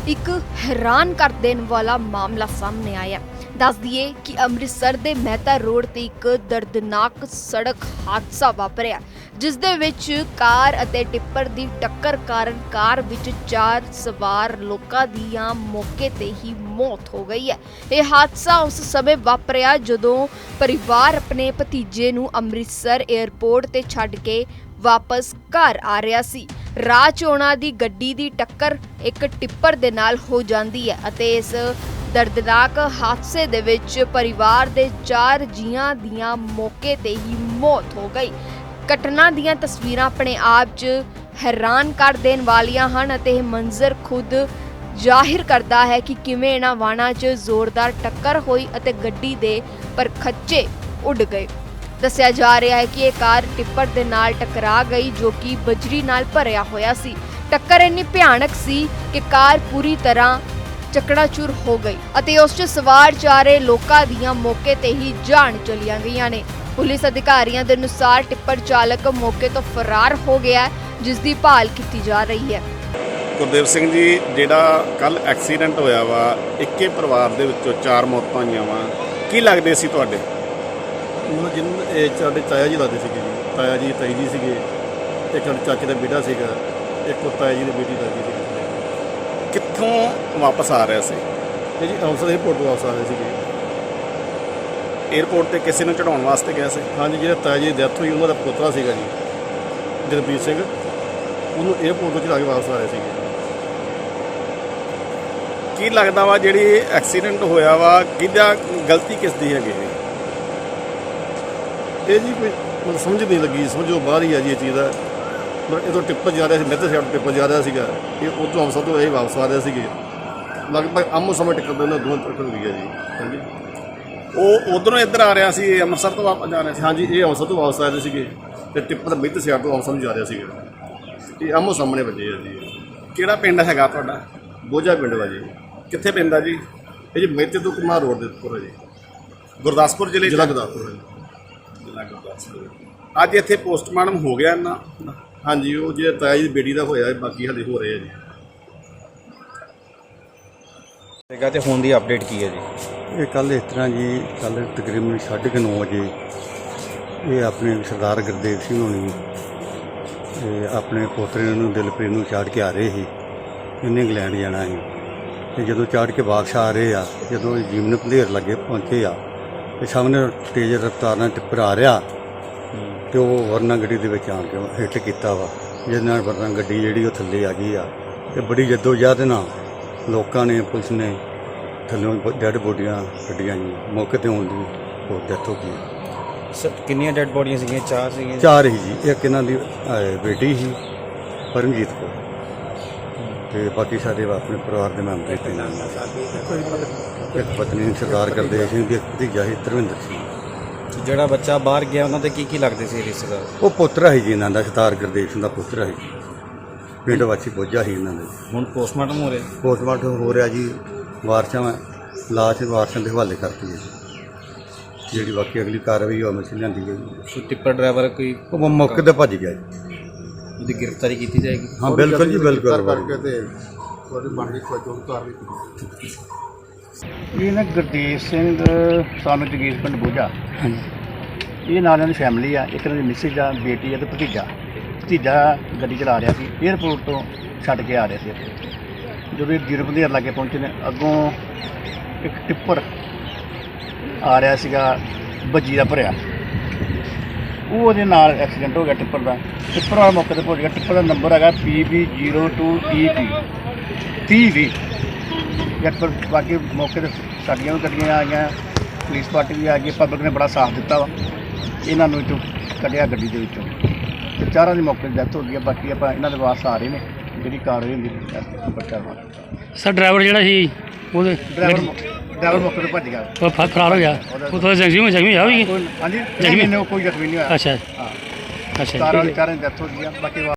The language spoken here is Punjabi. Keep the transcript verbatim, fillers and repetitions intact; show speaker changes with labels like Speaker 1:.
Speaker 1: एक हैरान कर देने वाला मामला सामने आया। दस दिए कि अमृतसर दे मेहता रोड ते एक दर्दनाक सड़क हादसा वापरिया, जिस दे विच कार अते टिप्पर दी टक्कर कारण कार विच चार सवार लोकां दी मौके ते ही मौत हो गई है। यह हादसा उस समय वापरिया जदों परिवार अपने भतीजे नूं अमृतसर एयरपोर्ट ते छड्ड के वापस घर आ रहा सी। राह च उन्हां दी गड्डी दी टक्कर एक टिप्पर दे नाल हो जांदी है अते इस दर्दनाक हादसे दे विच परिवार दे चार जियां दियां मौके ते ही मौत हो गई। घटना दियां तस्वीरां अपने आप च हैरान कर देने वालियां हन अते मंजर खुद जाहिर करदा है कि किवें इन्हां वाहनां च जोरदार टक्कर होई अते गड्डी दे परखच्चे उड़ गए। दस्सिया जा रहा है कि यह कार टिप्पर दे नाल टकरा गई जो कि बजरी नाल भरिया होया सी। टक्कर इन्नी भयानक सी कि कार पूरी तरह चकनाचूर हो गई अते उस च सवार चारे लोकां दियां मौके ते ही जान चलियां गईयां ने। पुलिस अधिकारियों के अनुसार टिप्पर चालक मौके तो फरार हो गया है, जिसकी भाल की जा रही है।
Speaker 2: गुरदेव सिंह जी, जिहड़ा कल एक्सीडेंट होया वा, इक्के परिवार दे विचों चार मौतां होईयां वा, की लगदे सी तुहाडे?
Speaker 3: मतलब जिन ਸਾਡੇ ਤਾਇਆ ਜੀ ਲੱਗਦੇ ਸੀਗੇ ਜੀ, ਤਾਇਆ ਜੀ ਤਾਈ ਜੀ ਸੀਗੇ, ਇੱਕ ਸਾਡੇ ਚਾਚੇ ਦਾ ਬੇਟਾ ਸੀਗਾ, ਇੱਕ ਉਹ ਤਾਇਆ ਜੀ ਦੀ ਬੇਟੀ ਲੱਗਦੀ ਸੀ।
Speaker 2: ਕਿੱਥੋਂ ਵਾਪਸ ਆ ਰਿਹਾ ਸੀ?
Speaker 3: ਇਹ ਜੀ ਅੰਮ੍ਰਿਤਸਰ ਏਅਰਪੋਰਟ ਤੋਂ ਵਾਪਸ ਆ ਰਹੇ ਸੀਗੇ।
Speaker 2: ਏਅਰਪੋਰਟ ਤੇ ਕਿਸੇ ਨੂੰ ਚੜਾਉਣ ਵਾਸਤੇ ਗਿਆ ਸੀ?
Speaker 3: ਹਾਂਜੀ, ਜਿਹੜਾ ਤਾਇਆ ਜੀ ਦੀ ਡੈਥ ਹੋਈ ਉਹਨਾਂ ਦਾ ਪੋਤਰਾ ਸੀਗਾ ਜੀ ਜਗਬੀਰ ਸਿੰਘ, ਉਹਨੂੰ ਏਅਰਪੋਰਟ ਤੋਂ ਚੜਾ ਕੇ ਵਾਪਸ ਆ ਰਹੇ ਸੀਗੇ।
Speaker 2: ਕੀ ਲੱਗਦਾ ਵਾ ਜਿਹੜੀ ਐਕਸੀਡੈਂਟ ਹੋਇਆ ਵਾ, ਕਿਹਦਾ ਗਲਤੀ ਕਿਸ ਦੀ ਹੈਗੀ?
Speaker 3: ਇਹ ਜੀ ਕੋਈ ਮਤਲਬ ਸਮਝ ਨਹੀਂ ਲੱਗੀ, ਸਮਝੋ ਬਾਹਰ ਹੀ ਆ ਜੀ ਇਹ ਚੀਜ਼ ਦਾ। ਮਤਲਬ ਇਹ ਟਿੱਪਰ ਜਾ ਰਿਹਾ ਸੀ, ਮੇਰੇ ਸਾਈਡ ਟਿੱਪਰ ਜਾ ਰਿਹਾ ਸੀਗਾ, ਇਹ ਉਹ ਤੋਂ ਅੰਮ੍ਰਿਤਸਰ ਤੋਂ ਇਹ ਵਾਪਸ ਆ ਰਹੇ ਸੀਗੇ। ਲਗਭਗ ਆਮੋ ਸਾਹਮਣੇ ਟਿੱਕਰ ਉਹਨਾਂ ਦੋਵਾਂ ਟੱਕਰ ਹੋਈ ਹੈ ਜੀ। ਹਾਂਜੀ,
Speaker 2: ਉਹ ਉਧਰੋਂ ਇੱਧਰ ਆ ਰਿਹਾ ਸੀ, ਅੰਮ੍ਰਿਤਸਰ ਤੋਂ ਵਾਪਸ ਜਾ ਰਿਹਾ ਸੀ?
Speaker 3: ਹਾਂਜੀ, ਇਹ ਅੰਮ੍ਰਿਤਸਰ ਤੋਂ ਵਾਪਸ ਆ ਰਹੇ ਸੀਗੇ ਅਤੇ ਟਿੱਪਰ ਮੇਰੇ ਸਾਈਡ ਤੋਂ ਅੰਮ੍ਰਿਤਸਰ ਨੂੰ ਜਾ ਰਿਹਾ ਸੀਗਾ। ਇਹ ਆਮੋ ਸਾਹਮਣੇ ਵੱਜੇ ਆ ਜੀ।
Speaker 2: ਕਿਹੜਾ ਪਿੰਡ ਹੈਗਾ ਤੁਹਾਡਾ?
Speaker 3: ਬੋਝਾ ਪਿੰਡ ਵਾ ਜੀ।
Speaker 2: ਕਿੱਥੇ ਪੈਂਦਾ ਜੀ?
Speaker 3: ਇਹ ਜੀ ਮੇਤੇ ਤੋਂ ਕੁਮਾਰ ਰੋਡ ਦੇ ਉੱਪਰ ਹੈ ਜੀ,
Speaker 2: ਗੁਰਦਾਸਪੁਰ ਜ਼ਿਲ੍ਹੇ
Speaker 3: ਜ਼ਿਲ੍ਹਾ ਗੁਰਦਾਸਪੁਰ ਹੈ ਜੀ।
Speaker 2: ਅੱਜ ਇੱਥੇ ਪੋਸਟਮਾਰਟਮ ਹੋ ਗਿਆ ਨਾ?
Speaker 3: ਹਾਂਜੀ, ਉਹ ਜਿਹੜਾ ਤਾਇਆ ਜੀ ਦੀ ਬੇਟੀ ਦਾ ਹੋਇਆ, ਬਾਕੀ ਹਾਲੇ ਹੋ ਰਹੇ ਆ ਜੀ।
Speaker 4: ਹੈਗਾ ਤੇ ਹੁਣ ਦੀ ਅਪਡੇਟ ਕੀ ਹੈ ਜੀ?
Speaker 5: ਇਹ ਕੱਲ੍ਹ ਇਸ ਤਰ੍ਹਾਂ ਜੀ, ਕੱਲ੍ਹ ਤਕਰੀਬਨ ਸਾਢੇ ਕੁ ਨੌ ਵਜੇ ਇਹ ਆਪਣੇ ਸਰਦਾਰ ਗੁਰਦੇਵ ਸਿੰਘ ਹੋਣੀ ਇਹ ਆਪਣੇ ਪੋਤਰੇ ਨੂੰ ਦਿਲਪ੍ਰੀਤ ਨੂੰ ਚਾੜ ਕੇ ਆ ਰਹੇ ਸੀ। ਇਹਨੇ ਇੰਗਲੈਂਡ ਜਾਣਾ ਸੀ ਅਤੇ ਜਦੋਂ ਚਾੜ ਕੇ ਵਾਪਸ ਆ ਰਹੇ ਆ, ਜਦੋਂ ਜੀਵਨ ਪੰਧੇਰ ਲੱਗੇ ਪਹੁੰਚੇ ਆ ਤੇ ਸਾਹਮਣੇ ਤੇਜ਼ ਰਫ਼ਤਾਰ ਨਾਲ ਟਿੱਪਰ ਆ ਰਿਹਾ ਅਤੇ ਉਹ ਵਰਨਾ ਗੱਡੀ ਦੇ ਵਿੱਚ ਆਣ ਕੇ ਹਿੱਟ ਕੀਤਾ ਵਾ, ਜਿਸ ਨਾਲ ਵਰਨਾ ਗੱਡੀ ਜਿਹੜੀ ਉਹ ਥੱਲੇ ਆ ਗਈ ਆ। ਅਤੇ ਬੜੀ ਜੱਦੋ-ਜਹਿਦ ਨਾਲ ਲੋਕਾਂ ਨੇ, ਪੁਲਿਸ ਨੇ ਥੱਲੋਂ ਡੈਡ ਬੋਡੀਆਂ ਕੱਢੀਆਂ ਜੀ। ਮੌਕੇ 'ਤੇ ਆਉਣ ਦੀ ਹੋਰ ਡੈਥ ਹੋ ਗਈ।
Speaker 4: ਸਰ ਕਿੰਨੀਆਂ ਡੈਡ ਬੋਡੀਆਂ ਸੀਗੀਆਂ? ਚਾਰ ਸੀਗੀਆਂ?
Speaker 5: ਚਾਰ ਹੀ ਜੀ। ਇੱਕ ਇਹਨਾਂ ਦੀ ਬੇਟੀ ਸੀ ਪਰਮਜੀਤ ਕੌਰ, ਅਤੇ ਬਾਕੀ ਸਾਡੇ ਆਪਣੇ ਪਰਿਵਾਰ ਦੇ ਮੈਂਬਰ ਇੱਥੇ ਨਾਲ। ਇੱਕ ਪਤਨੀ ਸਰਦਾਰ ਗੁਰਦੇਵ ਸਿੰਘ ਦੀ, ਇੱਕ ਭਤੀਜਾ ਸੀ ਧਰਮਿੰਦਰ ਸਿੰਘ।
Speaker 4: ਜਿਹੜਾ ਬੱਚਾ ਬਾਹਰ ਗਿਆ ਉਹਨਾਂ ਦੇ ਕੀ ਕੀ ਲੱਗਦੇ ਸੀ ਰਿਸ਼ਤੇਦਾਰ?
Speaker 5: ਉਹ ਪੁੱਤਰ ਸੀ ਜੀ ਇਹਨਾਂ ਦਾ, ਸਰਦਾਰ ਗੁਰਦੇਵ ਸਿੰਘ ਦਾ ਪੁੱਤਰ ਸੀ। ਪਿੰਡ ਵਾਸੀ ਬੋਝਾ ਸੀ ਇਹਨਾਂ ਦੇ।
Speaker 4: ਹੁਣ ਪੋਸਟਮਾਰਟਮ ਹੋ ਰਿਹਾ?
Speaker 5: ਪੋਸਟਮਾਰਟਮ ਹੋ ਰਿਹਾ ਜੀ। ਵਾਰਸਾਂ ਲਾਸ਼ ਵਾਰਸਾਂ ਦੇ ਹਵਾਲੇ ਕਰਤੀ ਹੈ ਜੀ। ਜਿਹੜੀ ਬਾਕੀ ਅਗਲੀ ਕਾਰਵਾਈ ਉਹ ਅਮਲ 'ਚ ਲਿਆਂਦੀ ਗਈ।
Speaker 4: ਸੋ ਟਿੱਪਰ ਡਰਾਈਵਰ ਕੋਈ
Speaker 5: ਉਹ ਮੌਕੇ 'ਤੇ ਭੱਜ ਗਿਆ ਜੀ।
Speaker 4: ਉਹਦੀ ਗ੍ਰਿਫਤਾਰੀ ਕੀਤੀ ਜਾਏਗੀ?
Speaker 5: ਹਾਂ ਬਿਲਕੁਲ ਜੀ, ਬਿਲਕੁਲ
Speaker 3: ਕਰਕੇ ਤੇ ਉਹਦੀ ਬਣ ਕੇ ਕੋਈ ਜੋ ਕਾਰਵਾਈ ਕੀਤੀ।
Speaker 6: ਇਹ ਨਾ ਗੁਰਦੇਵ ਸਿੰਘ ਸਾਨੂੰ ਜਗੀਰ ਪਿੰਡ ਬੋਝਾ, ਇਹ ਨਾਲ ਇਹਨਾਂ ਦੀ ਫੈਮਿਲੀ ਆ। ਇੱਕ ਇਹਨਾਂ ਦੀ ਮਿਸਿਸ ਆ, ਬੇਟੀ ਆ ਅਤੇ ਭਤੀਜਾ। ਭਤੀਜਾ ਗੱਡੀ ਚਲਾ ਰਿਹਾ ਸੀ, ਏਅਰਪੋਰਟ ਤੋਂ ਛੱਡ ਕੇ ਆ ਰਿਹਾ ਸੀ। ਜਦੋਂ ਇਹ ਜੀਰੋ ਪੰਧੇਰ ਲਾਗੇ ਪਹੁੰਚੇ ਨੇ, ਅੱਗੋਂ ਇੱਕ ਟਿੱਪਰ ਆ ਰਿਹਾ ਸੀਗਾ ਬੱਜੀ ਦਾ ਭਰਿਆ, ਉਹ ਉਹਦੇ ਨਾਲ ਐਕਸੀਡੈਂਟ ਹੋ ਗਿਆ ਟਿੱਪਰ ਦਾ। ਟਿੱਪਰ ਵਾਲਾ ਮੌਕੇ 'ਤੇ ਪਹੁੰਚ ਗਿਆ। ਟਿੱਪਰ ਦਾ ਨੰਬਰ ਹੈਗਾ P B zero two E P ਤੀਹ ਵੀਹ। ਪਰ ਬਾਕੀ ਮੌਕੇ 'ਤੇ ਸਾਡੀਆਂ ਵੀ ਗੱਡੀਆਂ ਆ ਗਈਆਂ, ਪੁਲਿਸ ਪਾਰਟੀ ਵੀ ਆ ਗਈ, ਪਬਲਿਕ ਨੇ ਬੜਾ ਸਾਥ ਦਿੱਤਾ ਵਾ। ਇਹਨਾਂ ਨੂੰ ਵਿੱਚੋਂ ਕੱਢਿਆ ਗੱਡੀ ਦੇ ਵਿੱਚੋਂ ਅਤੇ ਚਾਰਾਂ ਦੀ ਮੌਕੇ 'ਤੇ ਡੈਥ ਹੋ ਗਈ ਆ। ਬਾਕੀ ਆਪਾਂ ਇਹਨਾਂ ਦੇ ਵਾਰਸ ਆ ਰਹੇ ਨੇ, ਜਿਹੜੀ ਕਾਰਵਾਈ ਹੁੰਦੀ ਬੱਚਾ ਵਾ।
Speaker 7: ਸਰ ਡਰਾਈਵਰ ਜਿਹੜਾ ਸੀ ਉਹਦੇ
Speaker 6: ਡਰਾਈਵਰ ਡਰਾਈਵਰ ਮੌਕੇ 'ਤੇ ਭੱਜ ਗਿਆ,
Speaker 7: ਉਹ ਫ- ਫਰਾਰ ਹੋ ਗਿਆ। ਉਹ ਥੋੜਾ ਜ਼ਖਮੀ ਜ਼ਖਮੀ ਹੋਇਆ ਵੀ?
Speaker 6: ਕੋਈ ਹਾਂਜੀ
Speaker 7: ਜ਼ਖਮੀ?
Speaker 6: ਨਹੀਂ, ਕੋਈ ਜ਼ਖਮੀ ਨਹੀਂ ਹੋਇਆ।
Speaker 7: ਅੱਛਾ
Speaker 6: ਹਾਂ,
Speaker 7: ਅੱਛਾ
Speaker 6: ਚਾਰਾਂ ਦੀ ਚਾਰਾਂ ਦੀ ਡੈਥ ਹੋ ਗਈ ਆ। ਬਾਕੀ